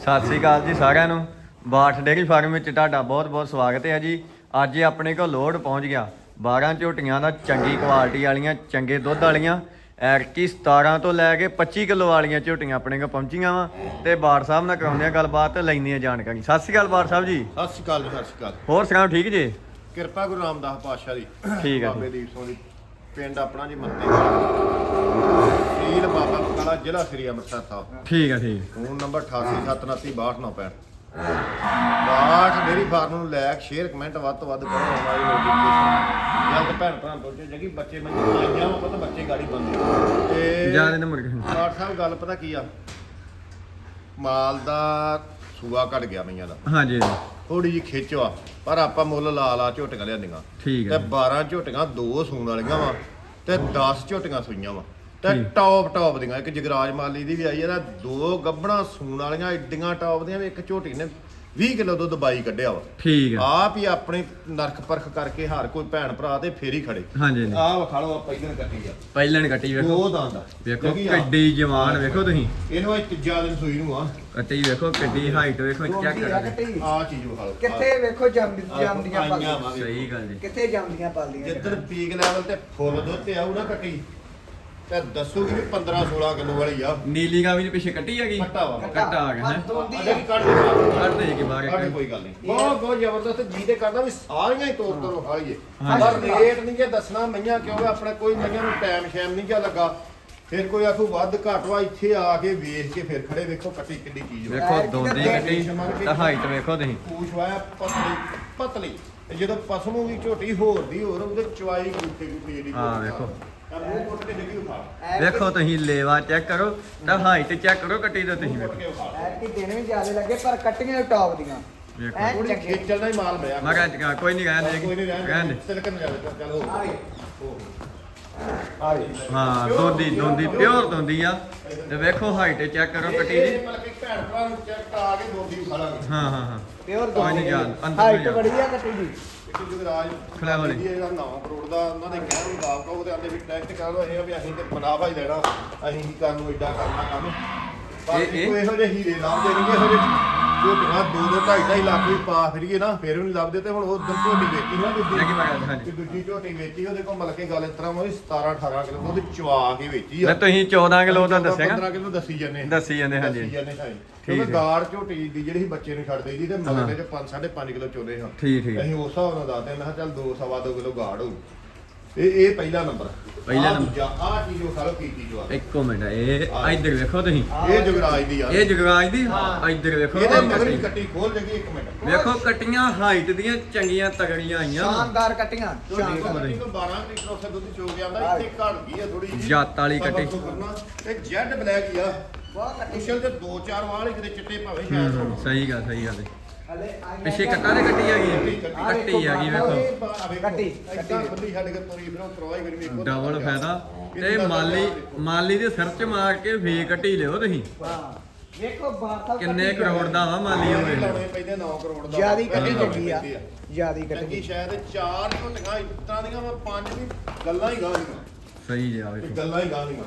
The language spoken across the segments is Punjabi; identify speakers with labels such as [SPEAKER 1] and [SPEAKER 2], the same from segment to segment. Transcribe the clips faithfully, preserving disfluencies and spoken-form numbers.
[SPEAKER 1] ਸਤਿ ਸ੍ਰੀ ਅਕਾਲ ਜੀ ਸਾਰਿਆਂ ਨੂੰ। ਬਾਠ ਡੇਅਰੀ ਫਾਰਮ ਵਿੱਚ ਤੁਹਾਡਾ ਬਹੁਤ ਬਹੁਤ ਸਵਾਗਤ ਹੈ ਜੀ। ਅੱਜ ਆਪਣੇ ਕੋਲ ਲੋਡ ਪਹੁੰਚ ਗਿਆ ਬਾਰਾਂ ਝੋਟੀਆਂ ਦਾ, ਚੰਗੀ ਕੁਆਲਿਟੀ ਵਾਲੀਆਂ, ਚੰਗੇ ਦੁੱਧ ਵਾਲੀਆਂ। ਐਰਕੀ ਸਤਾਰਾਂ ਤੋਂ ਲੈ ਕੇ ਪੱਚੀ ਕਿਲੋ ਵਾਲੀਆਂ ਝੋਟੀਆਂ ਆਪਣੇ ਕੋਲ ਪਹੁੰਚੀਆਂ ਵਾ ਤੇ ਬਾਠ ਸਾਹਿਬ ਨਾਲ ਕਰਾਉਂਦੇ ਆ ਗੱਲਬਾਤ ਤੇ ਲੈਂਦੇ ਆ ਜਾਣਕਾਰੀ। ਸਤਿ ਸ੍ਰੀ ਅਕਾਲ ਬਾਠ ਸਾਹਿਬ ਜੀ।
[SPEAKER 2] ਸਤਿ ਸ਼੍ਰੀ ਅਕਾਲ ਜੀ। ਸਤਿ ਸ਼੍ਰੀ ਅਕਾਲ।
[SPEAKER 1] ਹੋਰ ਸੁਣਾਓ, ਠੀਕ ਜੀ?
[SPEAKER 2] ਕਿਰਪਾ ਗੁਰੂ ਰਾਮਦਾਸ ਪਾਤਸ਼ਾਹ ਦੀ।
[SPEAKER 1] ਠੀਕ ਹੈ
[SPEAKER 2] ਬਾਬੇ ਦੀਪ ਸਿੰਘ ਦੀ ਪਿੰਡ ਆਪਣਾ ਜੀ ਮੱਤੇ ਤਹਿਸੀਲ ਬਾਬਾ ਬਕਾਲਾ, ਜ਼ਿਲ੍ਹਾ ਸ੍ਰੀ ਅੰਮ੍ਰਿਤਸਰ ਸਾਹਿਬ।
[SPEAKER 1] ਠੀਕ ਹੈ ਠੀਕ।
[SPEAKER 2] ਫੋਨ ਨੰਬਰ ਅਠਾਸੀ ਸੱਤ ਉਨੱਤੀ ਬਾਹਠ ਨੌ ਪੈਂਹਠ। ਬਾਠ ਡੇਅਰੀ ਫਾਰਮ ਨੂੰ ਲਾਇਕ ਸ਼ੇਅਰ ਕਮੈਂਟ ਵੱਧ ਤੋਂ ਵੱਧ ਕਰੋ। ਹਮਾਰੀ ਨੋਟੀਫਿਕੇਸ਼ਨ ਜਲਦ ਭੈਣ ਭਰਾ ਪਹੁੰਚੇ ਜਗੀ ਬੱਚੇ ਮੈਨੂੰ ਆਈਆਂ ਵਾ ਪਤਾ ਬੱਚੇ ਗਾੜੀ ਬੰਦੇ ਤੇ
[SPEAKER 1] ਜਿਆਦਾ ਨੰਬਰ
[SPEAKER 2] ਬਾਠ ਸਾਹਿਬ ਗੱਲ ਪਤਾ ਕੀ ਆ, ਮਾਲ ਦਾ ਸੂਆ ਘਟ ਗਿਆ ਮਈਆਂ ਦਾ।
[SPEAKER 1] ਹਾਂਜੀ
[SPEAKER 2] ਥੋੜੀ ਜਿਹੀ ਖਿੱਚ ਆ, ਪਰ ਆਪਾਂ ਮੁੱਲ ਲਾ ਲਾ ਝੋਟੀਆਂ ਲਿਆਂਦੀਆਂ।
[SPEAKER 1] ਠੀਕ
[SPEAKER 2] ਤੇ
[SPEAKER 1] ਹੈ।
[SPEAKER 2] ਬਾਰਾਂ ਝੋਟੀਆਂ ਦੋ ਸੂਣ ਵਾਲੀਆਂ ਵਾ ਤੇ ਦਸ ਝੋਟੀਆਂ ਸੂਈਆਂ ਵਾ ਤੇ
[SPEAKER 1] ਠੀਕ।
[SPEAKER 2] ਟੌਪ ਟੌਪ ਦੀਆਂ। ਇੱਕ ਜਗਰਾਜ ਮਾਲੀ ਦੀ ਵੀ ਆਈ ਆ ਨਾ, ਦੋ ਗੱਬਣਾ ਸੂਣ ਵਾਲੀਆਂ ਏਡੀਆਂ ਟੌਪ ਦੀਆਂ। ਇੱਕ ਝੋਟੀ ਨੇ ਵੀਹ ਕਿਲੋ ਦੁੱਧ ਬਾਈ ਕੱਢਿਆ ਵਾ।
[SPEAKER 1] ਠੀਕ ਹੈ।
[SPEAKER 2] ਆਪ ਹੀ ਆਪਣੀ ਨਰਕ ਪਰਖ ਕਰਕੇ ਹਰ ਕੋਈ ਭੈਣ ਭਰਾ ਤੇ ਫੇਰ ਹੀ ਖੜੇ।
[SPEAKER 1] ਹਾਂਜੀ
[SPEAKER 2] ਆਹ ਵਿਖਾ ਲਓ, ਪਹਿਲਾਂ ਕੱਟੀ ਆ,
[SPEAKER 1] ਪਹਿਲਾਂ ਕੱਟੀ ਵੇਖੋ,
[SPEAKER 2] ਦੋ ਦੰਦ ਆ।
[SPEAKER 1] ਵੇਖੋ ਕਿੱਡੀ ਜਵਾਨ ਵੇਖੋ ਤੁਸੀਂ।
[SPEAKER 2] ਇਹਨੂੰ ਅੱਜ ਤੀਜਾ ਦਿਨ ਸੂਈ ਨੂੰ ਆ।
[SPEAKER 1] ਕੱਟੀ ਵੇਖੋ ਕਿੱਡੀ ਹਾਈਟ ਵੇਖੋ, ਚੈੱਕ ਕਰੋ।
[SPEAKER 2] ਆਹ ਚੀਜ਼ ਵਿਖਾ ਲਓ
[SPEAKER 3] ਕਿੱਥੇ ਵੇਖੋ ਜੰਮ ਜੰਮਦੀਆਂ
[SPEAKER 2] ਆਈਆਂ
[SPEAKER 3] ਪਾਲੀਆਂ।
[SPEAKER 2] ਵਾ।
[SPEAKER 1] ਸਹੀ ਗੱਲ ਜੀ।
[SPEAKER 3] ਕਿੱਥੇ ਜੰਮਦੀਆਂ ਪਾਲੀਆਂ।
[SPEAKER 2] ਜਿੱਦਣ ਪੀਕ ਲੈਵਲ ਤੇ ਫੁੱਲ ਦੁੱਧ ਤੇ ਆਊ ਨਾ ਕੱਟੀ ਤੇ ਦੱਸੂਗੀ ਵੀ ਪੰਦਰਾਂ ਸੋਲਾਂ ਕਿਲੋ ਵਾਲੀ ਆ।
[SPEAKER 1] ਨੀਲੀ ਗਾਂ ਵੀ ਪਿੱਛੇ ਕੱਟੀ ਹੈਗੀ।
[SPEAKER 2] ਕੱਟਾ ਵਾ।
[SPEAKER 1] ਕੱਟਾ ਆ ਗਿਆ ਹੈ।
[SPEAKER 2] ਅਜੇ ਵੀ ਕੱਢ ਦੇ ਬਾਹਰ।
[SPEAKER 1] ਕੱਢ ਦੇ ਕਿ ਬਾਹਰ
[SPEAKER 2] ਕੱਢ ਕੋਈ ਗੱਲ ਨਹੀਂ। ਬਹੁਤ ਬਹੁਤ ਜ਼ਬਰਦਸਤ ਜੀ ਤੇ ਕਰਦਾ ਵੀ ਸਾਰੀਆਂ ਹੀ ਤੋੜ ਤੋੜ ਵਿਖਾ ਲਈਏ।
[SPEAKER 1] ਹਾਂਜੀ।
[SPEAKER 2] ਪਰ ਰੇਟ ਨਹੀਂ ਜੇ ਦੱਸਣਾ ਮਈਆਂ ਕਿਉਂਕਿ ਆਪਣੇ ਕੋਈ ਮਈਆਂ ਨੂੰ ਟਾਈਮ ਸ਼ੈਮ ਨਹੀਂ ਜਿਹਾ ਲੱਗਾ। ਫਿਰ ਕੋਈ ਆਖੂ ਵੱਧ ਘੱਟ ਵਾ, ਇੱਥੇ ਆ ਕੇ ਵੇਖ ਕੇ ਫਿਰ ਖੜੇ ਵੇਖੋ ਕੱਟੀ ਕਿੱਡੀ ਚੀਜ਼ ਵਾ।
[SPEAKER 1] ਵੇਖੋ ਦੋਂਦੀ ਕੱਟੀ ਤਾਂ ਹਾਈਟ ਵੇਖੋ ਤੁਸੀਂ।
[SPEAKER 2] ਪੂਛ ਵਾਇਆ ਪਤਲੀ ਪਤਲੀ ਤੇ ਜਦੋਂ ਪਸਮੂ ਵੀ ਝੋਟੀ ਹੋਰ ਦੀ ਹੋਰ ਉਹਦੇ ਚਵਾਈ ਗੁੱਠੇ ਗੁੱਠੇ ਜਿਹੜੀ
[SPEAKER 1] ਹਾਂ ਵੇਖੋ।
[SPEAKER 2] ਤਾਂ ਮੂੰਹ ਕੁੱਟ ਕੇ ਡਿੱਗੀ ਉਠਾ
[SPEAKER 1] ਵੇਖੋ ਤੁਸੀਂ ਲੇਵਾ ਚੈੱਕ ਕਰੋ ਤਾਂ ਹਾਈਟ ਚੈੱਕ ਕਰੋ ਕੱਟੀ ਦਾ ਤੁਸੀਂ ਵੇਖੋ।
[SPEAKER 2] ਕੇ ਉਠਾ
[SPEAKER 3] ਐਰ ਕੀ ਦਿਨ ਵੀ ਜ਼ਿਆਦਾ ਲੱਗੇ ਪਰ ਕੱਟੀਆਂ ਟੌਪ ਦੀਆਂ।
[SPEAKER 1] ਵੇਖੋ।
[SPEAKER 3] ਐ
[SPEAKER 2] ਥੋੜੀ
[SPEAKER 3] ਚੰਗੇ।
[SPEAKER 2] ਖੇਚਲ ਨਾਲ ਹੀ ਮਾਲ ਮਿਲਿਆ।
[SPEAKER 1] ਮੈਂ ਕਿਹਾ ਕੋਈ ਨਹੀਂ ਰਹਿਣ
[SPEAKER 2] ਕੋਈ ਨਹੀਂ
[SPEAKER 1] ਦੇ
[SPEAKER 2] ਰਹਿਣ
[SPEAKER 1] ਰਹਿਣ
[SPEAKER 2] ਦੇ
[SPEAKER 1] ਦੇ।
[SPEAKER 2] ਤਿਲਕਣ ਜਾਵੇ ਚੱਲ ਹੋ
[SPEAKER 3] ਆ ਵੇ।
[SPEAKER 2] ਆ ਗਈ।
[SPEAKER 1] ਹਾਂ ਦੋਂਦੀ ਦੋਂਦੀ ਪਿਓਰ ਦੋਂਦੀ ਆ ਤੇ ਵੇਖੋ ਹਾਈਟ ਚੈੱਕ ਕਰੋ ਕੱਟੀ ਦੀ।
[SPEAKER 2] ਇਹ ਮਤਲਬ ਕਿ ਭੈਣ ਭਰਾ ਨੂੰ ਚੈੱਕ ਆ ਕੇ ਦੋਦੀ ਖਾ ਲਾਂਗੇ।
[SPEAKER 1] ਹਾਂ ਹਾਂ ਹਾਂ
[SPEAKER 3] ਪਿਓਰ
[SPEAKER 1] ਕੋਈ ਨਹੀਂ ਜਾਣ, ਅੰਦਰ
[SPEAKER 3] ਹਾਈਟ
[SPEAKER 1] ਨਹੀਂ
[SPEAKER 3] ਬੜੀ ਆ ਕੱਟੀ ਦੀ।
[SPEAKER 2] ਇੱਕ ਜਗਰਾਜ
[SPEAKER 1] ਖੜਾ ਹੋ ਲਈ।
[SPEAKER 2] ਜਿਹੜਾ ਨੌ ਕਰੋੜ ਦਾ ਉਹਨਾਂ ਦੇ ਕਹਿਣ ਮੁਤਾਬਕ ਉਹ ਤੇ ਆਂਦੇ ਵੀ ਟੈਕਟ ਕਰ ਲੋ ਇਹ ਆ ਵੀ ਅਸੀਂ ਤੇ ਮੁਨਾਫਾ ਹੀ ਲੈਣਾ, ਅਸੀਂ ਕੀ ਕਰਨ ਨੂੰ ਏਡਾ ਕਰਨਾ ਕੰਮ। ਪਰ
[SPEAKER 1] ਇਹ- ਇਹ-
[SPEAKER 2] ਕੋਈ ਇਹੋ ਜਿਹੇ ਹੀਰੇ ਲੱਭਦੇ ਨਹੀਂ, ਇਹੋ ਜਿਹੇ ਝੋਟੀਆਂ ਦੋ ਦੋ ਢਾਈ ਢਾਈ ਲੱਖ ਵੀ ਪਾ ਫਿਰੀਏ ਨਾ ਫਿਰ ਵੀ ਨਹੀਂ ਲੱਭਦੇ। ਤੇ ਹੁਣ ਉਹ ਦਿਨ ਝੋਟੀ ਵੇਚੀ ਨਾ
[SPEAKER 1] ਇਹ ਕੀ
[SPEAKER 2] ਦੂਜੀ
[SPEAKER 1] ਮੈਂ ਕਹਿੰਦਾ ਹਾਂਜੀ।
[SPEAKER 2] ਤੇ ਦੂਜੀ ਝੋਟੀ ਵੇਚੀ, ਉਹਦੇ ਕੋਲ ਮਤਲਬ ਕਿ ਗੱਲ ਇਸ ਤਰ੍ਹਾਂ ਹੋਈ ਸਤਾਰਾਂ ਅਠਾਰਾਂ ਕਿਲੋ ਉਹਦੇ ਚਵਾ ਕੇ ਵੇਚੀ
[SPEAKER 1] ਮੈਂ
[SPEAKER 2] ਆ।
[SPEAKER 1] ਤੁਸੀਂ ਚੌਦਾਂ ਕਿਲੋ ਦਾ ਦੱਸਿਆਗਾ।
[SPEAKER 2] ਪੰਦਰਾਂ ਕਿਲੋ ਦੱਸੀ ਜਾਂਦੇ
[SPEAKER 1] ਦੱਸੀ ਜਾਂਦੇ, ਹਾਂਜੀ।
[SPEAKER 2] ਦੱਸੀ ਜਾਂਦੇ ਹਾਂ।
[SPEAKER 1] ਠੀਕ
[SPEAKER 2] ਕਿਉਂਕਿ
[SPEAKER 1] ਹੈ।
[SPEAKER 2] ਗਾੜ ਝੋਟੀ ਦੀ ਜਿਹੜੀ ਸੀ ਬੱਚੇ ਨੂੰ ਛੱਡ ਦੇਈਦੀ ਤੇ
[SPEAKER 1] ਹਾਂ।
[SPEAKER 2] ਮਗਲੇ ਚ ਪੰਜ ਸਾਢੇ ਪੰਜ ਕਿਲੋ ਚੋਲੇ ਹਾਂ।
[SPEAKER 1] ਠੀਕ ਠੀਕ
[SPEAKER 2] ਅਸੀਂ ਉਸ ਹਿਸਾਬ ਨਾਲ ਦੱਸਦੇ ਮੈਂ ਕਿਹਾ ਚੱਲ ਦੋ ਸਵਾ ਦੋ ਕਿਲੋ ਗਾੜ ਹੋਊ। ਇਹ ਇਹ ਪਹਿਲਾ ਨੰਬਰ।
[SPEAKER 1] ਪਹਿਲਾ
[SPEAKER 2] ਆਹ
[SPEAKER 1] ਨੰਬਰ।
[SPEAKER 2] ਦੂਜਾ ਆਹ ਚੀਜ਼ ਉਹ ਖਾਲੋ ਕੀ ਚੀਜ਼ ਆ।
[SPEAKER 1] ਇੱਕੋ ਮਿੰਟ ਇਹ ਇੱਧਰ ਵੇਖੋ ਤੁਸੀਂ।
[SPEAKER 2] ਇਹ ਜੁਗਰਾਜ ਦੀ ਆ।
[SPEAKER 1] ਇਹ ਜਗਰਾਜ ਦੀ
[SPEAKER 3] ਹਾਂ।
[SPEAKER 1] ਇੱਧਰ ਵੇਖੋ
[SPEAKER 2] ਇਹਦੇ ਮਗਰ
[SPEAKER 1] ਕੱਟੀ।
[SPEAKER 2] ਵੀ ਕੱਟੀ ਖੋਲ ਜਗੀ ਇੱਕ ਮਿੰਟ।
[SPEAKER 1] ਵੇਖੋ ਕੱਟੀਆਂ ਹਾਈਟ ਦੀਆਂ ਚੰਗੀਆਂ ਤਗੜੀਆਂ ਆਈਆਂ ਵਾ।
[SPEAKER 3] ਸ਼ਾਨਦਾਰ ਕੱਟੀਆਂ।
[SPEAKER 2] ਝੋਟੀ
[SPEAKER 3] ਸ਼ਾਨਦਾਰ।
[SPEAKER 2] ਕੱਟੀ ਤੋਂ ਬਾਰਾਂ ਲੀਟਰ ਉਸੇ ਦੁੱਧ ਚੋ ਕੇ ਆਉਂਦਾ, ਇੱਥੇ ਘੜ ਗਈ ਆ ਥੋੜੀ ਜਿਹੀ।
[SPEAKER 1] ਜੱਤ ਵਾਲੀ ਕੱਟੀ।
[SPEAKER 2] ਸਬਰ ਤੋਂ ਕਰਨਾ। ਤੇ ਜੈਡ ਬਲੈਕ ਹੀ ਆ।
[SPEAKER 3] ਬਹੁਤ ਕੱਟੀ।
[SPEAKER 2] ਮੁਸ਼ਲ ਤੇ ਦੋ ਚਾਰ ਵਾਲ ਹੀ ਕਿਤੇ ਚਿੱਟੇ ਭਾਵੇਂ
[SPEAKER 1] ਹੂੰ
[SPEAKER 2] ਸ਼ਾਇਦ
[SPEAKER 1] ਹੂੰ,
[SPEAKER 2] ਹੋਣ।
[SPEAKER 1] ਸਹੀ ਗੱਲ ਸਹੀ ਗੱਲ ਹੈ।
[SPEAKER 3] ਹਲੇ ਆਈਆਂ
[SPEAKER 1] ਪਿੱਛੇ
[SPEAKER 3] ਜਾਂ-
[SPEAKER 1] ਕੱਟਾਂ ਦੇ ਕੱਟੀ ਹੈਗੀ ਆ।
[SPEAKER 3] ਆਹ
[SPEAKER 1] ਕੱਟੀ
[SPEAKER 3] ਵੇਖੋ
[SPEAKER 1] ਹੈਗੀ
[SPEAKER 3] ਬਾਹਰ
[SPEAKER 1] ਵੇਖੋ।
[SPEAKER 3] ਕੱਟੀ,
[SPEAKER 2] ਕੱਟੀ
[SPEAKER 3] ਕੱਟੀ।
[SPEAKER 2] ਕੱਟੀ ਬੰਦੀ ਛੱਡ ਕੇ ਤੋਰੀ ਫਿਰ ਉਹ ਕਰਵਾਈ ਕਰੀ ਵੇਖੋ।
[SPEAKER 1] ਡਬਲ ਫਾਇਦਾ ਤੇ ਮਾਲੀ ਮਾਲੀ ਦੇ ਸਿਰ 'ਚ ਮਾਰ ਕੇ ਫੇਕ ਕੱਟੀ ਲਿਓ ਤੁਸੀਂ।
[SPEAKER 3] ਹਾਂ ਵੇਖੋ ਬਾਤਾਂ
[SPEAKER 1] ਕਿੰਨੇ ਕਰੋੜ ਦਾ ਵਾ ਮਾਲੀ ਹੋਵੇ।
[SPEAKER 2] ਲਾਉਣੇ ਪੈਂਦੇ ਨੌ ਕਰੋੜ ਦਾ।
[SPEAKER 3] ਜਿਆਦੀ ਕੱਟੀ
[SPEAKER 2] ਲਾਉਣੇ
[SPEAKER 3] ਚੰਗੀ ਆ।
[SPEAKER 2] ਪੈਂਦੇ
[SPEAKER 3] ਜਿਆਦੀ
[SPEAKER 2] ਚੰਗੀ
[SPEAKER 3] ਕੱਟੀ।
[SPEAKER 2] ਸ਼ਾਇਦ ਚਾਰ ਝੋਟੀਆਂ ਇਸ ਤਰ੍ਹਾਂ ਦੀਆਂ ਵਾ, ਪੰਜ ਵੀ ਗੱਲਾਂ ਹੀ ਗਾਂ ਦੀਆਂ।
[SPEAKER 1] ਸਹੀ ਜਿਹਾ
[SPEAKER 2] ਇਹ
[SPEAKER 1] ਵੇਖੋ।
[SPEAKER 2] ਗੱਲਾਂ ਹੀ ਗਾਂ ਦੀਆਂ।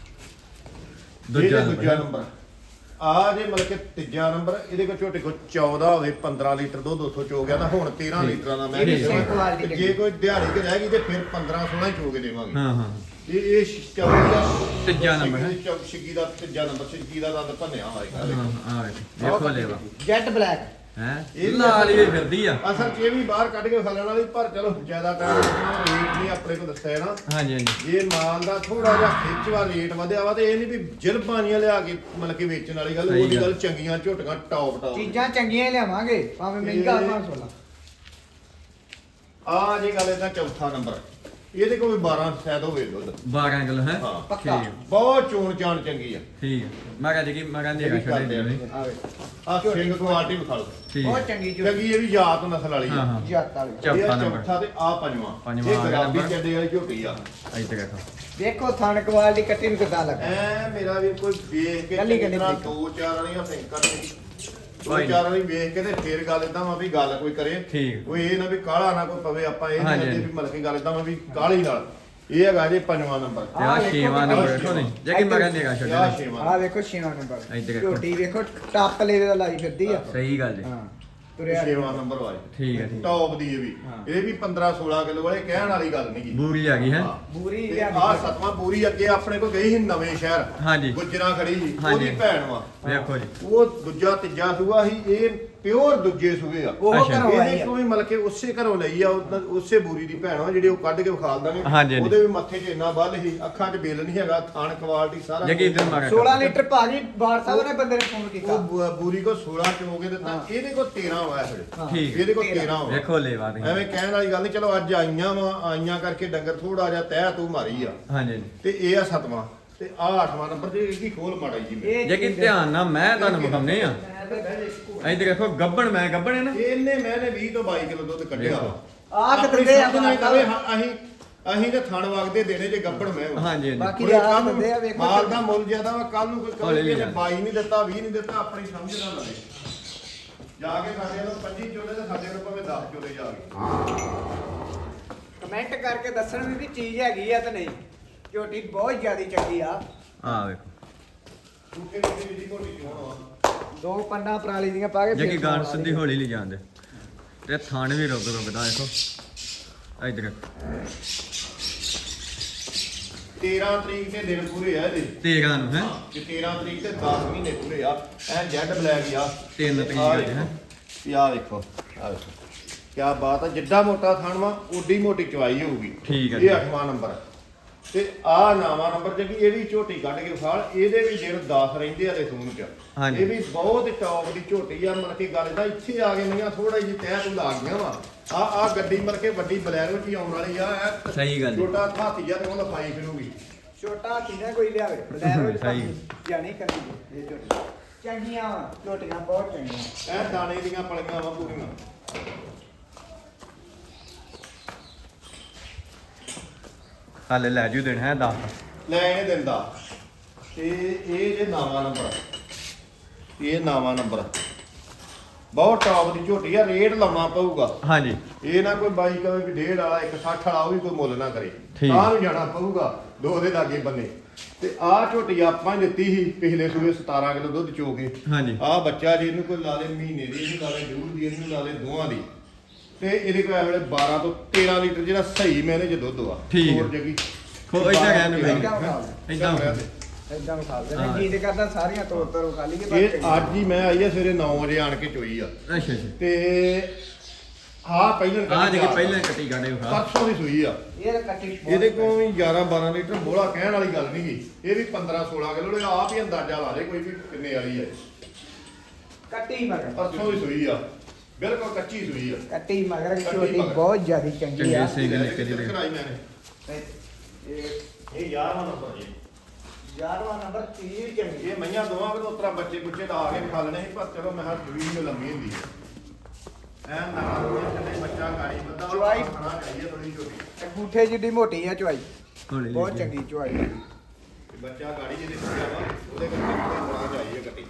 [SPEAKER 1] ਦੂਜਾ
[SPEAKER 2] ਦੂਜਾ ਦੂਜਾ ਨੰਬਰ ਆ ਜੇ ਮਤਲਬ ਕਿ ਤੀਜਾ ਨੰਬਰ ਇਹਦੇ ਕੋਲ ਝੋਟੇ ਕੋਲ ਚੌਦਾਂ ਹੋਵੇ ਪੰਦਰਾਂ ਲੀਟਰ ਦੁੱਧ ਉੱਥੋਂ ਚੋ ਗਿਆ ਤਾਂ ਹੁਣ ਤੇਰਾਂ ਲੀਟਰਾਂ ਦਾ ਮੈਂ
[SPEAKER 3] ਇਹ ਵੀ
[SPEAKER 2] ਦੇਵਾਂ।
[SPEAKER 3] same quality
[SPEAKER 2] ਤੇ ਜੇ ਕੋਈ ਦਿਹਾੜੀ ਕਿ ਰਹਿ ਗਈ ਤੇ ਫਿਰ ਪੰਦਰਾਂ ਸੋਲਾਂ ਹੀ ਚੋ ਕੇ ਦੇਵਾਂਗੇ।
[SPEAKER 1] ਹਾਂ ਹਾਂ
[SPEAKER 2] ਇਹ ਇਹ ਚੌਵੀ ਦਾ
[SPEAKER 1] ਤੀਜਾ ਨੰਬਰ ਹੈ।
[SPEAKER 2] ਚੌ- ਛਿੱਗੀ ਦਾ ਤੀਜਾ ਨੰਬਰ ਛਿੱਗੀ ਦਾ ਦੰਦ ਭੰਨਿਆ ਹੋਏਗਾ।
[SPEAKER 1] ਹਾਂ ਆ ਵੇਖੋ ਲੈਵਾ
[SPEAKER 3] ਜੈਟ ਬਲੈਕ।
[SPEAKER 1] ਹੈ
[SPEAKER 2] ਇਹ ਵੀ
[SPEAKER 1] ਲਾਲ ਹੀ ਫਿਰਦੀ ਆ।
[SPEAKER 2] ਅਸਲ ਚ ਇਹ ਵੀ ਬਾਹਰ ਕੱਢ ਕੇ ਖਾਣ ਵਾਲੀ, ਪਰ ਚਲੋ ਜ਼ਿਆਦਾ ਟਾਈਮ ਰੇਟ ਨਹੀਂ ਆਪਣੇ ਕੋਲ ਦੱਸਿਆ ਨਾ।
[SPEAKER 1] ਹਾਂਜੀ ਹਾਂਜੀ
[SPEAKER 2] ਇਹ ਮਾਲ ਦਾ ਥੋੜਾ ਜਿਹਾ ਖਿੱਚਵਾ ਰੇਟ ਵਧਿਆ ਵਾ ਤੇ ਇਹ ਨਹੀਂ ਵੀ ਜਲਬਾਨੀਆਂ ਲਿਆ ਕੇ ਮਤਲਬ ਕਿ ਵੇਚਣ ਵਾਲੀ ਗੱਲ।
[SPEAKER 1] ਸਹੀ
[SPEAKER 2] ਉਹਦੀ
[SPEAKER 1] ਗੱਲ।
[SPEAKER 2] ਗੱਲ ਚੰਗੀਆਂ ਝੋਟੀਆਂ ਟੌਪ ਟੌਪ
[SPEAKER 3] ਚੀਜ਼ਾਂ ਚੰਗੀਆਂ ਹੀ ਲਿਆਵਾਂਗੇ ਭਾਵੇਂ ਮਹਿੰਗਾ ਪੰਜ ਸੌ ਲਾ।
[SPEAKER 2] ਆ ਜੇ ਗੱਲ ਇਹਦਾ ਚੌਥਾ ਨੰਬਰ। ਇਹਦੇ ਕੋਲ ਵੀ ਬਾਰਾਂ ਸ਼ਾਇਦ ਹੋਵੇ ਦੁੱਧ।
[SPEAKER 1] ਬਾਰਾਂ ਕਿਲੋ ਹੈ।
[SPEAKER 2] ਹਾਂ
[SPEAKER 3] ਪੱਕਾ।
[SPEAKER 1] ਠੀਕ
[SPEAKER 2] ਬਹੁਤ ਚੋਣ ਚਾਣ ਚੰਗੀ ਆ।
[SPEAKER 1] ਠੀਕ ਹੈ। ਮੈਂ ਕਹਾਂ ਜੀ ਕਿ ਮੈਂ ਕਹਿੰਦੀ ਹੈਗਾ ਛੱਡੇ ਦੇ ਨਹੀਂ।
[SPEAKER 3] ਆਵੇ
[SPEAKER 2] ਆ ਸਿੰਘ ਕੁਆਲਿਟੀ ਵਿਖਾ ਲਓ।
[SPEAKER 1] ਠੀਕ
[SPEAKER 3] ਬਹੁਤ
[SPEAKER 1] ਹੈ।
[SPEAKER 3] ਚੰਗੀ ਜੋ
[SPEAKER 2] ਚੰਗੀ ਇਹ ਵੀ ਯਾਦ ਨਸਲ ਵਾਲੀ
[SPEAKER 1] ਹਾਂ
[SPEAKER 2] ਆ।
[SPEAKER 1] ਹਾਂ
[SPEAKER 3] ਜੱਟ ਵਾਲੀ।
[SPEAKER 1] ਚੌਥਾ
[SPEAKER 2] ਇਹ ਆ
[SPEAKER 1] ਨੰਬਰ।
[SPEAKER 2] ਚੌਥਾ ਤੇ ਆ ਪੰਜਵਾਂ।
[SPEAKER 1] ਪੰਜਵਾਂ
[SPEAKER 2] ਇਹ
[SPEAKER 1] ਆ ਗਿਆ
[SPEAKER 2] ਗੁਲਾਬੀ
[SPEAKER 1] ਨੰਬਰ।
[SPEAKER 2] ਚੱਡੇ ਵਾਲੀ ਝੋਟੀ ਆ।
[SPEAKER 1] ਇੱਧਰ ਦੇਖੋ।
[SPEAKER 3] ਵੇਖੋ ਥਣ ਕੁਆਲਿਟੀ ਕੱਟੀ ਨੂੰ ਕਿੱਦਾਂ ਲੱਗਾ।
[SPEAKER 2] ਐ ਮੇਰਾ ਵੀ ਕੋਈ ਵੇਖ ਕੇ
[SPEAKER 3] ਕੱਲੀ
[SPEAKER 2] ਚੰਗੀ
[SPEAKER 3] ਕੱਲੀ
[SPEAKER 2] ਤਰ੍ਹਾਂ
[SPEAKER 3] ਦੇਖ।
[SPEAKER 2] ਦੋ ਚਾਰ ਵਾਲੀਆਂ ਫਿੰਕਰ ਨੇ ਦੋ
[SPEAKER 1] ਭਾਈ।
[SPEAKER 2] ਚਾਰ ਵਾਲੀ ਵੇਖ ਕੇ ਤੇ ਫੇਰ ਗੱਲ ਇਦਾਂ ਵਾ ਵੀ ਗੱਲ ਕੋਈ ਕਰੇ।
[SPEAKER 1] ਠੀਕ।
[SPEAKER 2] ਕੋਈ ਇਹ ਨਾ ਵੀ ਕਾਲਾ ਨਾ ਕੋਈ ਪਵੇ। ਆਪਾਂ ਇਹ
[SPEAKER 1] ਹਾਂਜੀ,
[SPEAKER 2] ਨਹੀਂ
[SPEAKER 1] ਹਾਂਜੀ।
[SPEAKER 2] ਵੀ ਮਤਲਬ ਕਿ ਗੱਲ ਇਦਾਂ ਵਾ ਵੀ ਕਾਲੀ ਨਾਲ ਇਹ ਹੈਗਾ ਜੀ ਪੰਜਵਾਂ ਨੰਬਰ
[SPEAKER 1] ਤੇ ਆ ਛੇਵਾਂ ਨੰਬਰ ਵੇਖੋ ਨਹੀਂ ਜੇ ਕਿ ਮਗਰ ਨਿਗਾ
[SPEAKER 2] ਆ
[SPEAKER 1] ਛੱਡਣਾ
[SPEAKER 2] ਛੇਵਾਂ
[SPEAKER 3] ਆ ਵੇਖੋ ਛੇਵਾਂ ਨੰਬਰ
[SPEAKER 1] ਇੱਧਰ ਦੇਖੋ।
[SPEAKER 3] ਝੋਟੀ ਵੇਖੋ ਟੱਪ ਲੈਵੇ ਦਾ ਲਾਈ ਫਿਰਦੀ ਆ
[SPEAKER 1] ਸਹੀ ਗੱਲ ਜੀ
[SPEAKER 3] ਹਾਂ ਤੁਰਿਆ
[SPEAKER 2] ਛੇਵਾਂ ਨੰਬਰ ਵਾਲੀ
[SPEAKER 1] ਠੀਕ ਹੈ ਠੀਕ
[SPEAKER 2] ਟੌਪ ਦੀ ਇਹ ਵੀ
[SPEAKER 3] ਹਾਂ।
[SPEAKER 2] ਇਹ ਵੀ ਪੰਦਰਾਂ ਸੋਲਾਂ ਕਿਲੋ ਵਾਲੇ ਕਹਿਣ ਵਾਲੀ ਗੱਲ ਨਹੀਂ ਗੀ
[SPEAKER 1] ਬੂਰੀ ਆ ਗਈ ਹੈ
[SPEAKER 3] ਬੂਰੀ
[SPEAKER 2] ਆ
[SPEAKER 3] ਲਿਆਂਦੀ
[SPEAKER 2] ਸਤਵਾਂ ਪੂਰੀ ਅੱਗੇ ਆਪਣੇ ਕੋਲ ਗਈ ਸੀ ਨਵੇਂ ਸ਼ਹਿਰ
[SPEAKER 1] ਹਾਂਜੀ
[SPEAKER 2] ਗੁੱਜਰਾਂ ਖੜੀ ਸੀ
[SPEAKER 1] ਹਾਂਜੀ।
[SPEAKER 2] ਉਹਦੀ ਭੈਣ ਵਾ
[SPEAKER 1] ਵੇਖੋ ਜੀ
[SPEAKER 2] ਉਹ ਦੂਜਾ ਤੀਜਾ ਸੂਆ ਸੀ ਇਹ ਪਿਓਰ ਦੂਜੇ ਸੂਏ ਆ
[SPEAKER 3] ਉਹ
[SPEAKER 1] ਅੱਛਾ।
[SPEAKER 3] ਘਰੋਂ ਆਈ
[SPEAKER 2] ਇਹਦੇ
[SPEAKER 3] ਆ
[SPEAKER 2] ਤੋਂ ਵੀ ਮਤਲਬ ਕਿ ਉਸੇ ਘਰੋਂ ਲਈ ਆ ਉਹਦਾ- ਉਸੇ ਬੂਰੀ ਦੀ ਭੈਣ ਆ ਜਿਹੜੀ ਉਹ ਕੱਢ ਕੇ ਵਿਖਾਲ ਦਾਂਗੇ
[SPEAKER 1] ਹਾਂਜੀ, ਹਾਂਜੀ।
[SPEAKER 2] ਉਹਦੇ ਵੀ ਮੱਥੇ 'ਚ ਇੰਨਾ ਬੱਲ ਸੀ ਅੱਖਾਂ 'ਚ ਬਿੱਲ ਨਹੀਂ ਹੈਗਾ ਥਣ ਕੁਆਲਿਟੀ ਸਾਰਾ
[SPEAKER 1] ਜੇ ਕਿ ਇਧਰ ਮਗਰ
[SPEAKER 3] ਸੋਲਾਂ ਲੀਟਰ ਭਾਜੀ ਬਾਰ ਸਾਹਿਬ ਨੇ ਬੰਦੇ ਨੇ ਫੋਨ ਕੀਤਾ
[SPEAKER 2] ਉਹ ਬੂ- ਬੂਰੀ ਕੋ ਸੋਲਾਂ ਚੋਗੇ ਦਿੱਤਾ
[SPEAKER 3] ਹਾਂ।
[SPEAKER 2] ਇਹਦੇ ਕੋ ਤੇਰਾਂ ਹੋਇਆ ਫਿਰ
[SPEAKER 3] ਹਾਂ।
[SPEAKER 1] ਠੀਕ।
[SPEAKER 2] ਇਹਦੇ ਕੋ ਤੇਰਾਂ ਹੋਇਆ
[SPEAKER 1] ਵੇਖੋ ਲੈਵਾ ਨਹੀਂ
[SPEAKER 2] ਐਵੇਂ ਕਹਿਣ ਵਾਲੀ ਗੱਲ ਨਹੀਂ ਚਲੋ ਅੱਜ ਆਈਆਂ ਵਾ ਆਈਆਂ ਕਰਕੇ ਡੰਗਰ ਥੋੜਾ ਜਿਹਾ ਤਹਿ ਤੂੰ ਮਾਰੀ ਆ
[SPEAKER 1] ਹਾਂਜੀ
[SPEAKER 2] ਤੇ ਇਹ ਆ ਸਤਵਾਂ ਤੇ ਆ ਅੱਠਵਾਂ ਨੰਬਰ ਤੇ ਇਹਦੀ ਖੋਲ ਮਾੜਾ ਜੀ
[SPEAKER 3] ਇਹ
[SPEAKER 1] ਜੇ ਕਿ ਧਿਆਨ ਨਾਲ ਮੈਂ ਤੁਹਾਨੂੰ ਵਿਖਾਉਂਦੇ ਆ ਇੱਧਰ ਦੇਖੋ ਗੱਬਣ ਮੈਂ ਗੱਬਣ ਹੈ ਨਾ
[SPEAKER 2] ਇਹਨੇ ਮੈਨੇ ਵੀਹ ਤੋਂ ਬਾਈ ਕਿਲੋ ਦੁੱਧ ਕੱਢਿਆ
[SPEAKER 1] ਵੇਖੋ।
[SPEAKER 2] ਵਾ।
[SPEAKER 3] ਆਹ
[SPEAKER 2] ਆਪਣੀ
[SPEAKER 3] ਕਿਤੇ ਆ
[SPEAKER 2] ਸਮਝ ਨਾਲ
[SPEAKER 3] ਬਾਬਾ।
[SPEAKER 2] ਕਵੇ ਹਾਂ, ਅਸੀਂ ਅਸੀਂ ਤੇ ਥਣ ਵਗਦੇ ਦੇਣੇ ਜੇ ਗੱਬੜ ਮੈਂ ਵਾ।
[SPEAKER 1] ਹਾਂਜੀ ਹਾਂਜੀ
[SPEAKER 3] ਬਾਕੀ
[SPEAKER 2] ਹੁਣ
[SPEAKER 3] ਆ
[SPEAKER 2] ਕੱਲ੍ਹ ਨੂੰ
[SPEAKER 3] ਬੰਦੇ ਆ ਵੇਖੋ
[SPEAKER 2] ਮਾਲ ਦਾ ਮੁੱਲ ਜ਼ਿਆਦਾ ਵਾ ਕੱਲ ਨੂੰ ਕੋਈ
[SPEAKER 1] ਹੌਲੀ
[SPEAKER 2] ਕਹੇ ਕਿ
[SPEAKER 1] ਲਿਆ।
[SPEAKER 2] ਬਾਈ ਨਹੀਂ ਦਿੱਤਾ ਵੀਹ ਨਹੀਂ ਦਿੱਤਾ ਆਪਣੀ ਸਮਝ ਨਾਲ ਲਵੇ ਜਾ ਕੇ ਸਾਡੇ ਨੂੰ ਪੰਜੀ ਚੋਲੇ ਤੇ ਸਾਡੇ ਨੂੰ ਭਾਵੇਂ ਦਸ ਚੋਲੇ ਜਾ ਕੇ
[SPEAKER 3] ਕਮੈਂਟ ਕਰਕੇ ਦੱਸਣ ਵੀ ਵੀ ਚੀਜ਼ ਹੈਗੀ ਆ ਤੇ ਨਹੀਂ ਝੋਟੀ ਬਹੁਤ ਜ਼ਿਆਦੀ ਚੰਗੀ ਆ
[SPEAKER 1] ਆ ਵੇਖੋ
[SPEAKER 2] ਟੂਟੇ ਟੂਟੇ ਦੀ ਮੋਟੀ ਚੋਣ ਵਾ
[SPEAKER 3] ਦੋ ਪੰਡਾ ਪਰਾਲੀ ਦੀਆਂ ਪਾ ਕੇ
[SPEAKER 1] ਜੇ ਕਿ
[SPEAKER 3] ਫੇਰ
[SPEAKER 1] ਗਾਣ
[SPEAKER 3] ਖਵਾ
[SPEAKER 1] ਸਿੱਧੀ
[SPEAKER 3] ਲਈ।
[SPEAKER 1] ਹੌਲੀ ਲਈ ਜਾਂਦੇ ਤੇ ਥਣ ਵੀ ਰੁਕ ਰੁਕਦਾ ਦੇਖੋ ਇੱਧਰ ਦੇਖੋ।
[SPEAKER 2] ਤੇਰਾਂ ਤਰੀਕ ਦੇ ਦਿਨ ਪੂਰੇ ਆ ਇਹਦੇ
[SPEAKER 1] ਤੇਰਾਂ ਨੂੰ ਹੈ
[SPEAKER 2] ਕਿ ਤੇਰਾਂ ਤਰੀਕ ਤੇ ਦਸ ਮਹੀਨੇ ਪੂਰੇ ਆ ਐ ਜੈਡ ਬਲੈਕ ਆ
[SPEAKER 1] ਤਿੰਨ ਤਰੀਕ
[SPEAKER 2] ਆਹ
[SPEAKER 1] ਅੱਜ ਹੈ
[SPEAKER 2] ਦੇਖੋ। ਆਹ ਦੇਖੋ ਆਹ ਦੇਖੋ ਕੀ ਬਾਤ ਆ ਜਿੱਡਾ ਮੋਟਾ ਥਣ ਵਾ ਓਡੀ ਮੋਟੀ ਚਵਾਈ ਹੋਊਗੀ
[SPEAKER 1] ਠੀਕ ਆ
[SPEAKER 2] ਇਹ
[SPEAKER 1] ਜੀ।
[SPEAKER 2] ਅੱਠਵਾਂ ਨੰਬਰ ਤੇ ਆਹ ਨਵਾਂ ਨੰਬਰ ਜਿਹੜੀ ਇਹ ਵੀ ਝੋਟੀ ਕੱਢ ਕੇ ਵਿਖਾਲ ਇਹਦੇ ਵੀ ਦਿਨ ਦਸ ਰਹਿੰਦੇ ਆ ਦੇ ਸੂਣ ਚ
[SPEAKER 1] ਹਾਂਜੀ।
[SPEAKER 2] ਇਹ ਵੀ ਬਹੁਤ ਟੌਪ ਦੀ ਝੋਟੀ ਆ ਮਤਲਬ ਕਿ ਗੱਲ ਦਾ ਇੱਥੇ ਆ ਕੇ ਨਹੀਂ ਥੋੜਾ ਜਿਹੀ ਤਹਿ ਤੂੰ ਲਾ ਗਈਆਂ ਵਾ ਆ ਆ ਗੱਡੀ ਮਤਲਬ ਕਿ ਵੱਡੀ ਬਲੈਰੋ ਚ ਹੀ ਆਉਣ ਵਾਲੀ ਆ ਇਹ
[SPEAKER 1] ਸਹੀ ਗੱਲ ਜੀ।
[SPEAKER 2] ਛੋਟਾ ਹਾਥੀ ਜਿਹਾ ਤੇ ਉਹਦਾ ਪਾਈ ਫਿਰੂਗੀ
[SPEAKER 3] ਛੋਟਾ ਕਿਨਾ ਕੋਈ ਲਿਆਵੇ ਬਲੈਰੋ
[SPEAKER 1] ਸਹੀ।
[SPEAKER 3] ਜਾਣੀ ਕਰਦੀ ਇਹ ਝੋਟੀ ਚੰਗੀਆਂ ਵਾ ਝੋਟੀਆਂ ਬਹੁਤ ਚੰਗੀਆਂ
[SPEAKER 2] ਇਹ ਦਾਣੇ ਦੀਆਂ ਪਲੀਆਂ ਵਾ ਪੂਰੀਆਂ
[SPEAKER 1] ਹਾਲੇ ਲੈ ਜੂ ਦੇਣ ਹੈ ਦਸ
[SPEAKER 2] ਲੈ ਇਹ ਦਿੰਦਾ ਤੇ ਇਹ ਜੇ ਨਾਵਾਂ ਨੰਬਰ ਇਹ ਨਾਵਾਂ ਨੰਬਰ ਬਹੁਤ ਟੌਪ ਦੀ ਝੋਟੀ ਆ ਰੇਟ ਲਾਉਣਾ ਪਊਗਾ
[SPEAKER 1] ਹਾਂਜੀ
[SPEAKER 2] ਇਹ ਨਾ ਕੋਈ ਬਾਈ ਕਵੇ ਵੀ ਡੇਢ ਵਾਲਾ ਇੱਕ ਸੱਠ ਵਾਲਾ ਉਹ ਵੀ ਕੋਈ ਮੁੱਲ ਨਾ ਕਰੇ
[SPEAKER 1] ਠੀਕ।
[SPEAKER 2] ਤਾਂ ਨੂੰ ਜਾਣਾ ਪਊਗਾ ਦੋ ਦੇ ਲਾਗੇ ਬੰਨੇ ਤੇ ਆਹ ਝੋਟੀ ਆਪਾਂ ਹੀ ਦਿੱਤੀ ਸੀ ਪਿਛਲੇ ਸੂਏ ਸਤਾਰਾਂ ਕਿਲੋ ਦੁੱਧ ਚੋ ਕੇ
[SPEAKER 1] ਹਾਂਜੀ
[SPEAKER 2] ਆਹ ਬੱਚਾ ਜੀ ਇਹਨੂੰ ਕੋਈ ਲਾ ਦੇ ਮਹੀਨੇ ਦੀ ਇਹਨੂੰ ਲਾ ਦੇ ਡੂਢ ਦੀ ਇਹਨੂੰ ਲਾ ਦੇ ਦੋਹਾਂ ਦੀ ਤੇ ਇਹਦੇ ਕੋਲ ਇਹ ਵੇਲੇ ਬਾਰਾਂ ਤੋਂ ਤੇਰਾਂ ਲੀਟਰ ਜਿਹੜਾ ਸਹੀ ਮੈਨੇ ਚ ਦੁੱਧ ਆ
[SPEAKER 1] ਠੀਕ
[SPEAKER 2] ਹੋਰ
[SPEAKER 1] ਹੈ।
[SPEAKER 2] ਜਗੀ
[SPEAKER 1] ਖੋ ਇੱਧਰ ਕਹਿਣ ਨੂੰ
[SPEAKER 3] ਏਦਾਂ
[SPEAKER 1] ਪਈ
[SPEAKER 3] ਵਿਖਾ ਦੇ।
[SPEAKER 1] ਇਦਾਂ
[SPEAKER 3] ਏਦਾਂ ਵਿਖਾ ਦੇ
[SPEAKER 1] ਹਾਂ।
[SPEAKER 3] ਜੀ ਤੇ ਕਰਦਾ ਸਾਰੀਆਂ ਤੋੜ ਤੋੜ ਖਾ ਲਈਏ ਪਰ
[SPEAKER 2] ਇਹ ਅੱਜ ਹੀ ਮੈਂ ਆਈ ਆ ਸਵੇਰੇ ਨੌ ਵਜੇ ਆਣ ਕੇ ਚੋਈ ਆ
[SPEAKER 1] ਅੱਛਾ ਅੱਛਾ
[SPEAKER 2] ਤੇ ਆਹ ਪਹਿਲਾਂ
[SPEAKER 1] ਆ ਜੇ ਕਿ ਪਹਿਲਾਂ ਕੱਟੀ ਗਾੜੇ ਵਿਖਾ
[SPEAKER 2] ਪਰਸੋਂ ਦੀ ਸੂਈ ਆ
[SPEAKER 3] ਇਹ ਤਾਂ ਕੱਟੀ ਬਹੁਤ
[SPEAKER 2] ਇਹਦੇ ਕੋਲ ਵੀ ਗਿਆਰਾਂ ਬਾਰਾਂ ਲੀਟਰ ਬੋਲਾ ਕਹਿਣ ਵਾਲੀ ਗੱਲ ਨਹੀਂ ਗੀ ਇਹ ਵੀ ਪੰਦਰਾਂ ਸੋਲਾਂ ਕਿਲੋ ਇਹ ਆਪ ਹੀ ਅੰਦਾਜ਼ਾ ਲਾ ਦੇ ਕੋਈ ਵੀ ਕਿੰਨੇ ਵਾਲੀ ਹੈ
[SPEAKER 3] ਕੱਟੀ ਮਗਰ
[SPEAKER 2] ਪਰਸੋਂ ਦੀ ਸੂਈ ਆ ਬਿਲਕੁਲ ਕੱਚੀ ਸੂਈ ਆ
[SPEAKER 3] ਕੱਟੀ ਮਗਰ
[SPEAKER 2] ਕੱਟੀ
[SPEAKER 3] ਝੋਟੀ
[SPEAKER 2] ਮਗਰ।
[SPEAKER 3] ਬਹੁਤ ਜ਼ਿਆਦੀ ਚੰਗੀ ਆ
[SPEAKER 1] ਚੰਗੀ ਸੀ। ਸਿੰਘ ਨਿੱਕੇ ਜਿਹੇ।
[SPEAKER 2] ਕਰਾਈ ਮੈਨੇ
[SPEAKER 3] ਇਹ
[SPEAKER 2] ਇਹ ਗਿਆਰਵਾਂ ਨੰਬਰ ਜੀ
[SPEAKER 3] ਗਿਆਰਵਾਂ ਨੰਬਰ ਤੀਹ ਚੰਗੀ
[SPEAKER 2] ਇਹ ਮਈਆਂ ਦੋਵਾਂ ਵਿੱਚ ਉਤਰਾ ਬੱਚੇ ਬੁੱਚੇ ਲਾ ਕੇ ਖਾ ਲੈਣੇ ਸੀ ਪਰ ਚਲੋ ਮੈਂ ਹਰ ਸੂਈ ਨੂੰ ਲੰਮੀ ਹੁੰਦੀ ਹੈ ਐ ਨਾ ਥੱਲੇ ਬੱਚਾ ਗਾੜੀ ਬੰਦਾ
[SPEAKER 3] ਚਵਾਈ।
[SPEAKER 2] ਖਾਣਾ ਚਾਹੀਏ ਥੋੜੀ ਛੋਟੀ
[SPEAKER 3] ਅੰਗੂਠੇ ਜਿੱਡੀ ਮੋਟੀ ਆ ਚੁਆਈ
[SPEAKER 1] ਹੌਲੀ
[SPEAKER 3] ਬਹੁਤ
[SPEAKER 1] ਲਈ
[SPEAKER 3] ਚੰਗੀ ਚੁਆਈ
[SPEAKER 2] ਤੇ ਬੱਚਾ ਗਾੜੀ ਜਿਹਦੇ ਸੁਣਿਆ ਵਾ ਉਹਦੇ ਕਰਕੇ ਹੋਣਾ ਚਾਹੀਏ ਗੱਡੀ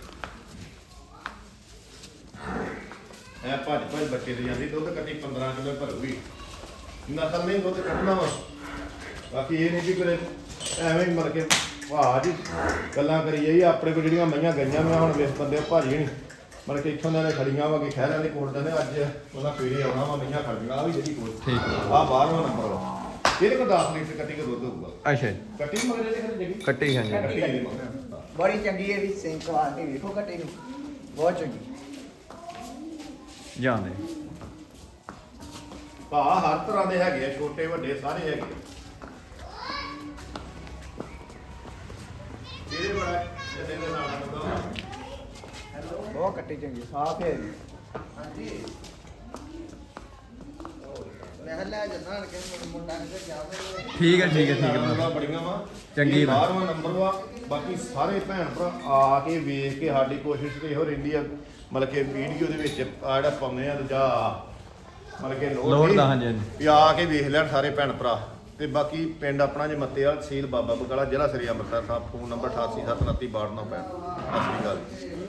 [SPEAKER 2] ਐ ਭੱਜ ਭੱਜ ਬੱਚੇ ਦੇ ਜਾਂਦੀ ਦੁੱਧ ਕੱਟੀ ਪੰਦਰਾਂ ਕਿਲੋ ਭਰੂਗੀ ਨਸਲ ਨਹੀਂ ਦੁੱਧ ਕੱਢਣਾ ਵਾ ਬਾਕੀ ਇਹ ਨਹੀਂ ਵੀ ਕਰੇ ਐਵੇਂ ਹੀ ਮਰ ਕੇ ਵਾਹ ਜੀ ਗੱਲਾਂ ਕਰੀ ਜਾਈ ਆਪਣੇ ਕੋਲ ਜਿਹੜੀਆਂ ਮਈਆਂ ਗਈਆਂ ਮੈਂ ਹੁਣ ਵੇਖ ਬੰਦੇ ਭਾਜੀ ਨਹੀਂ ਮਰ ਕੇ ਇੱਥੋਂ ਦੇ ਖੜੀਆਂ ਵਾ ਕਿ ਖਹਿਰਾਂ ਦੇ ਕੋਲ ਦੇ ਅੱਜ ਉਹਨਾਂ ਸਵੇਰੇ ਆਉਣਾ ਵਾ ਮਈਆਂ ਖੜੀਆਂ ਆ ਵੀ ਜਿਹੜੀ ਕੋਲ
[SPEAKER 1] ਠੀਕ
[SPEAKER 2] ਆ ਬਾਰਵਾਂ ਨੰਬਰ ਵਾ ਇਹਦੇ ਕੋਲ ਦਸ ਲੀਟਰ ਕੱਟੀ ਕੇ ਦੁੱਧ ਹੋਊਗਾ
[SPEAKER 1] ਅੱਛਾ ਜੀ।
[SPEAKER 2] ਕੱਟੀ ਮਗਰ ਇਹਦੇ ਖੜੇ ਜਗੀ
[SPEAKER 1] ਕੱਟੀ ਹਾਂਜੀ
[SPEAKER 2] ਕੱਟੀ ਇਹਦੇ ਮਗਰ
[SPEAKER 3] ਬੜੀ ਚੰਗੀ ਹੈ ਵੀ ਸਿੰਕ ਵਾਸਤੇ ਵੇਖੋ ਕੱਟੀ ਨੂੰ ਬਹੁਤ ਚੰਗੀ
[SPEAKER 1] ਜਾਂਦੇ
[SPEAKER 2] ਭਾ ਹਰ ਤਰ੍ਹਾਂ ਦੇ ਹੈਗੇ ਆ ਛੋਟੇ ਵੱਡੇ ਸਾਰੇ ਹੈਗੇ ਆ। ਇਹਦੇ ਬੜਾ ਇਹਦੇ ਦੇ ਨਾਲ ਬੰਦਾ
[SPEAKER 3] ਬਹੁਤ ਕੱਟੀ ਚੰਗੀ ਸਾਫ ਹੈ ਹਾਂਜੀ ਮੈਂ ਹੱਲਾ ਜਨਾਂ ਕਿ ਮੁੰਡਾ ਨੇ ਜਾਵੇ
[SPEAKER 1] ਠੀਕ ਹੈ ਠੀਕ ਹੈ ਠੀਕ
[SPEAKER 2] ਨਾਲਾਂ
[SPEAKER 1] ਹੈ
[SPEAKER 2] ਬੜੀਆਂ ਵਾ
[SPEAKER 1] ਚੰਗੀ ਵਾ।
[SPEAKER 2] ਬਾਰਵਾਂ ਨੰਬਰ ਵਾ ਬਾਕੀ ਸਾਰੇ ਭੈਣ ਭਰਾ ਆ ਕੇ ਵੇਖ ਕੇ ਸਾਡੀ ਕੋਸ਼ਿਸ਼ ਤੇ ਇਹੋ ਰਹਿੰਦੀ ਆ ਮਤਲਬ ਕਿ ਵੀਡੀਓ ਦੇ ਵਿੱਚ ਆ ਜਿਹੜਾ ਪਾਉਂਦੇ ਆ ਦੂਜਾ ਮਤਲਬ ਕਿ ਲੋੜ
[SPEAKER 1] ਲੋੜ
[SPEAKER 2] ਨਹੀਂ
[SPEAKER 1] ਦਾ, ਹਾਂਜੀ, ਹਾਂਜੀ।
[SPEAKER 2] ਵੀ ਆ ਕੇ ਵੇਖ ਲੈਣ ਸਾਰੇ ਭੈਣ ਭਰਾ ਤੇ ਬਾਕੀ ਪਿੰਡ ਆਪਣਾ ਜੇ ਮੱਤੇਵਾਲ ਤਹਿਸੀਲ ਬਾਬਾ ਬਕਾਲਾ ਜ਼ਿਲ੍ਹਾ ਸ੍ਰੀ ਅੰਮ੍ਰਿਤਸਰ ਸਾਹਿਬ ਫੋਨ ਨੰਬਰ ਅਠਾਸੀ ਸੱਤ ਉਨੱਤੀ ਬਾਹਠ ਨੌ ਪੈਂਹਠ ਸਤਿ ਸ਼੍ਰੀ ਅਕਾਲ